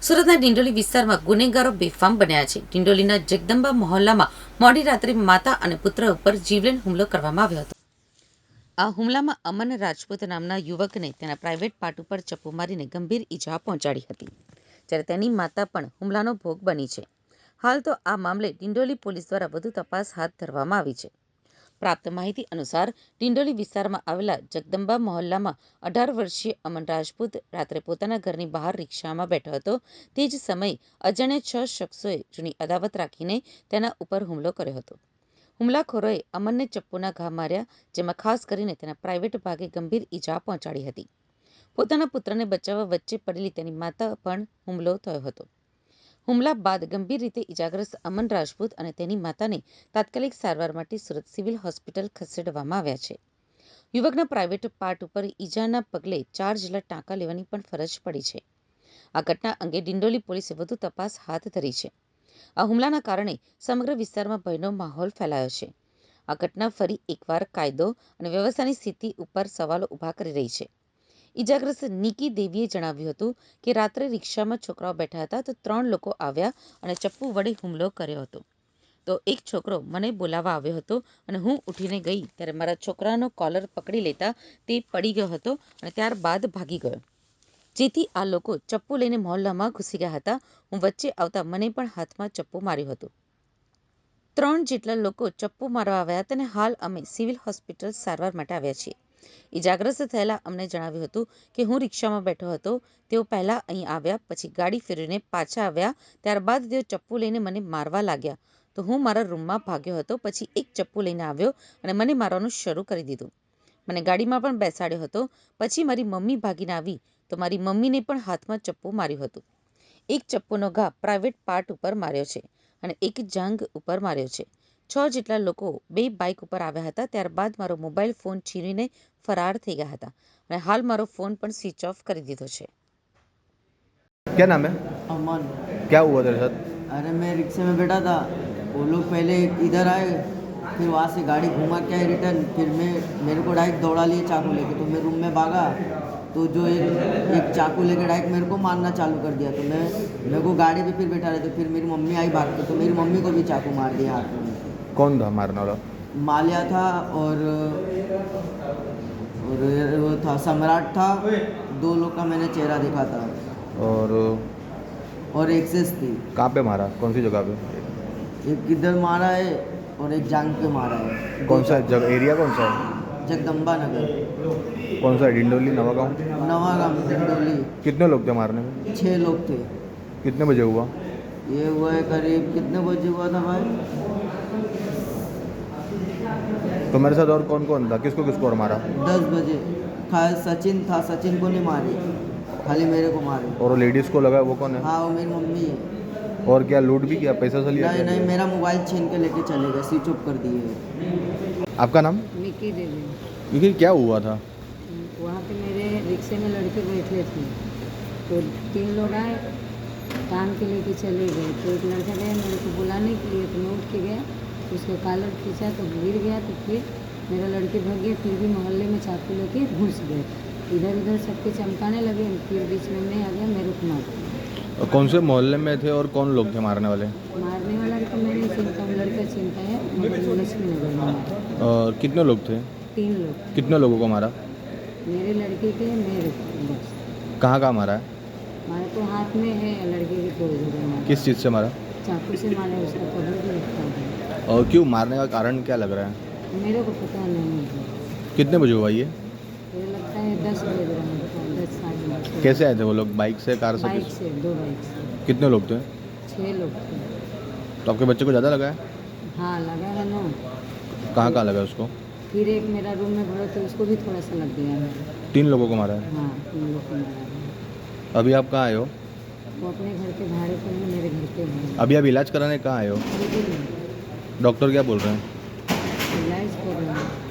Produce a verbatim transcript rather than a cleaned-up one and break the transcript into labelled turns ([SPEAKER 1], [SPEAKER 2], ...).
[SPEAKER 1] સુરતના ડિંડોલી વિસ્તારમાં ગુનેગારો બેફામ બન્યા છે. ડિંડોલીના જગદંબા મહોલ્લામાં મોડી રાત્રે માતા અને પુત્ર ઉપર જીવલેણ હુમલો કરવામાં આવ્યો હતો. આ હુમલામાં અમન રાજપૂત નામના યુવકને તેના પ્રાઇવેટ પાર્ટ ઉપર ચપ્પુ મારીને ગંભીર ઈજા પહોંચાડી હતી, જ્યારે તેની માતા પણ હુમલાનો ભોગ બની છે. હાલ તો આ મામલે ડિંડોલી પોલીસ દ્વારા વધુ તપાસ હાથ ધરવામાં આવી છે. પ્રાપ્ત માહિતી અનુસાર ડિંડોલી વિસ્તારમાં આવેલા જગદંબા મહોલ્લામાં અઢાર વર્ષીય અમન રાજપૂત રાત્રે પોતાના ઘરની બહાર રિક્ષામાં બેઠો હતો. તે જ સમયે અજાણ્યા છ શખ્સોએ જૂની અદાવત રાખીને તેના ઉપર હુમલો કર્યો હતો. હુમલાખોરોએ અમનને ચપ્પુના ઘા માર્યા, જેમાં ખાસ કરીને તેના પ્રાઇવેટ ભાગે ગંભીર ઈજા પહોંચાડી હતી. પોતાના પુત્રને બચાવવા વચ્ચે પડેલી તેની માતા પણ હુમલો થયો હતો. હુમલા બાદ ગંભીર રીતે ઈજાગ્રસ્ત અમન રાજપૂત અને તેની માતાને તાત્કાલિક સારવાર માટે સુરત સિવિલ હોસ્પિટલ ખસેડવામાં આવ્યા છે. યુવકના પ્રાઇવેટ પાર્ટ ઉપર ઈજાના પગલે ચાર જેટલા ટાંકા લેવાની પણ ફરજ પડી છે. આ ઘટના અંગે ડિંડોલી પોલીસે વધુ તપાસ હાથ ધરી છે. આ હુમલાના કારણે સમગ્ર વિસ્તારમાં ભયનો માહોલ ફેલાયો છે. આ ઘટના ફરી એકવાર કાયદો અને વ્યવસ્થાની સ્થિતિ ઉપર સવાલો ઊભા કરી રહી છે. ઈજાગ્રસ્ત નિકી દેવીએ જણાવ્યું હતું કે રાત્રે રિક્ષામાં છોકરાઓ બેઠા હતા તો ત્રણ લોકો આવ્યા અને ચપ્પુ વડે હુમલો કર્યો હતો. તો એક છોકરો મને બોલાવવા આવ્યો હતો અને હું ઉઠીને ગઈ ત્યારે મારા છોકરાનો કોલર પકડી લેતા તે પડી ગયો હતો અને ત્યારબાદ ભાગી ગયો, જેથી આ લોકો ચપ્પુ લઈને મહોલ્લામાં ઘૂસી ગયા હતા. હું વચ્ચે આવતા મને પણ હાથમાં ચપ્પુ માર્યું હતું. ત્રણ જેટલા લોકો ચપ્પુ મારવા આવ્યા હતા અને હાલ અમે સિવિલ હોસ્પિટલ સારવાર માટે આવ્યા છીએ. ઈજાગ્રસ્ત થયેલા અમને જણાવ્યું હતું કે હું રિક્ષામાં બેઠો હતો. તેઓ પહેલા અહીં આવ્યા, પછી ગાડી ફેરવીને પાછા આવ્યા. ત્યારબાદ તેઓ ચપ્પુ લઈને મને મારવા લાગ્યા તો હું મારા રૂમમાં ભાગ્યો હતો. પછી એક ચપ્પુ લઈને આવ્યો અને મને મારવાનું શરૂ કરી દીધું. મને ગાડીમાં પણ બેસાડ્યો હતો. પછી મારી મમ્મી ભાગીને આવી તો મારી મમ્મીને પણ હાથમાં ચપ્પુ માર્યું હતું. એક ચપ્પુનો ઘા પ્રાઇવેટ પાર્ટ ઉપર માર્યો છે અને એક જાંઘ ઉપર માર્યો છે. છ જેટલા લોકો બે બાઇક ઉપર આવ્યા હતા. ત્યારબાદ મારો મોબાઈલ ફોન છીનવીને ફરાર થઈ ગયા હતા અને હાલ મારો ફોન પણ સ્વિચ ઓફ કરી દીધો છે.
[SPEAKER 2] क्या नाम है?
[SPEAKER 3] अमन।
[SPEAKER 2] क्या हुआ तेरे साथ?
[SPEAKER 3] अरे मैं रिक्शे में बैठा था, वो लोग पहले इधर आए, फिर वहाँ से गाड़ी घुमा के आए रिटर्न, फिर मैं मेरे को डायरेक्ट दौड़ा लिए चाकू लेके, तो मैं रूम में भागा तो जो एक एक चाकू लेके डायरेक्ट मेरे को मारना चालू कर दिया. तो मैं मेरे को गाड़ी पे फिर बैठा रहे तो फिर मेरी मम्मी आई भाग के, तो मेरी मम्मी को भी चाकू मार दिया हाथ में.
[SPEAKER 2] कौन था मारने वाला?
[SPEAKER 3] माल्या था और और वो था सम्राट था. दो लोग का मैंने चेहरा देखा था
[SPEAKER 2] और
[SPEAKER 3] और एक्सेस थी.
[SPEAKER 2] कहाँ पे मारा? कौन सी जगह पे?
[SPEAKER 3] एक किधर मारा है और एक जांग पे मारा है.
[SPEAKER 2] कौन सा जगह, एरिया कौन सा है?
[SPEAKER 3] जगदम्बा नगर,
[SPEAKER 2] कौन सा है? डिंडोली, नवागांव?
[SPEAKER 3] नवागांव, डिंडोली.
[SPEAKER 2] कितने लोग थे मारने में?
[SPEAKER 3] छः लोग थे.
[SPEAKER 2] कितने बजे हुआ?
[SPEAKER 3] ये हुआ है करीब कितने बजे हुआ था भाई?
[SPEAKER 2] तो मेरे साथ और कौन कौन था? किसको किसको और मारा?
[SPEAKER 3] दस बजे. खाली सचिन था, सचिन को नहीं मारी, खाली मेरे को मारे.
[SPEAKER 2] और लेडीज़ को लगा वो कौन है?
[SPEAKER 3] हाँ वो मेरी मम्मी है.
[SPEAKER 2] और क्या लूट भी किया? पैसा से लिया?
[SPEAKER 3] नहीं नहीं, मेरा मोबाइल छीन के लेके चले गए, स्विच ऑफ कर दिए.
[SPEAKER 2] आपका नाम?
[SPEAKER 4] निकी देवी।
[SPEAKER 2] देखिए क्या हुआ था?
[SPEAKER 4] वहाँ पे मेरे रिक्शे में लड़के बैठे थे तो तीन लोग आए, काम के लेके चले गए. तो एक लड़का गया मेरे को बुलाने के लिए, तो मैं उठ के गया, उसका कॉलर खींचा तो गिर गया. तो फिर मेरा लड़के भाग गए, फिर भी मोहल्ले में चाकू लेके घुस गए. इधर उधर सबके चमकाने लगे, फिर बीच में मैं आ गया, मेरे को मार दिया.
[SPEAKER 2] और कौन से मोहल्ले में थे और कौन लोग थे मारने वाले?
[SPEAKER 4] मारने वाला तो मैं नहीं चिंता हूँ, लड़का चिंता है, मगर लक्ष्मी नगर में मारा.
[SPEAKER 2] और कितने लोग थे?
[SPEAKER 4] तीन लोग,
[SPEAKER 2] कितने लोगों को मारा?
[SPEAKER 4] मेरे लड़के के, मेरे बस.
[SPEAKER 2] कहाँ कहाँ मारा है?
[SPEAKER 4] हमारे तो हाथ में है, लड़के की थोड़ी जगह मारा.
[SPEAKER 2] किस चीज़ से मारा?
[SPEAKER 4] चाकू से मारे, उसका कवर भी रखा है.
[SPEAKER 2] और क्यों मारने का कारण क्या लग रहा है?
[SPEAKER 4] मेरे को पता नहीं है.
[SPEAKER 2] कितने बजे हुआ ये?
[SPEAKER 4] मुझे लगता है दस बज रहा है, दस साढ़े दस.
[SPEAKER 2] कैसे आए थे वो लोग? बाइक से, कार से?
[SPEAKER 4] बाइक से, दो बाइक से.
[SPEAKER 2] कितने लोग थे?
[SPEAKER 4] छः लोग थे.
[SPEAKER 2] तो आपके बच्चे को ज़्यादा लगा है?
[SPEAKER 4] हाँ लगा है ना.
[SPEAKER 2] कहाँ कहाँ लगा उसको?
[SPEAKER 4] फिर एक मेरा रूम में भरा तो उसको भी थोड़ा सा लग गया है.
[SPEAKER 2] तीन लोगों को मारा है?
[SPEAKER 4] हाँ तीन लोग को मारा है.
[SPEAKER 2] अभी आप कहाँ आए हो?
[SPEAKER 4] वो अपने घर के भाड़े पर है, मेरे घर पे है.
[SPEAKER 2] अभी आप इलाज कराने कहाँ आए हो?
[SPEAKER 4] अभी भी नहीं.
[SPEAKER 2] डॉक्टर क्या बोल रहे हैं?
[SPEAKER 4] इलाज कर रहे हैं.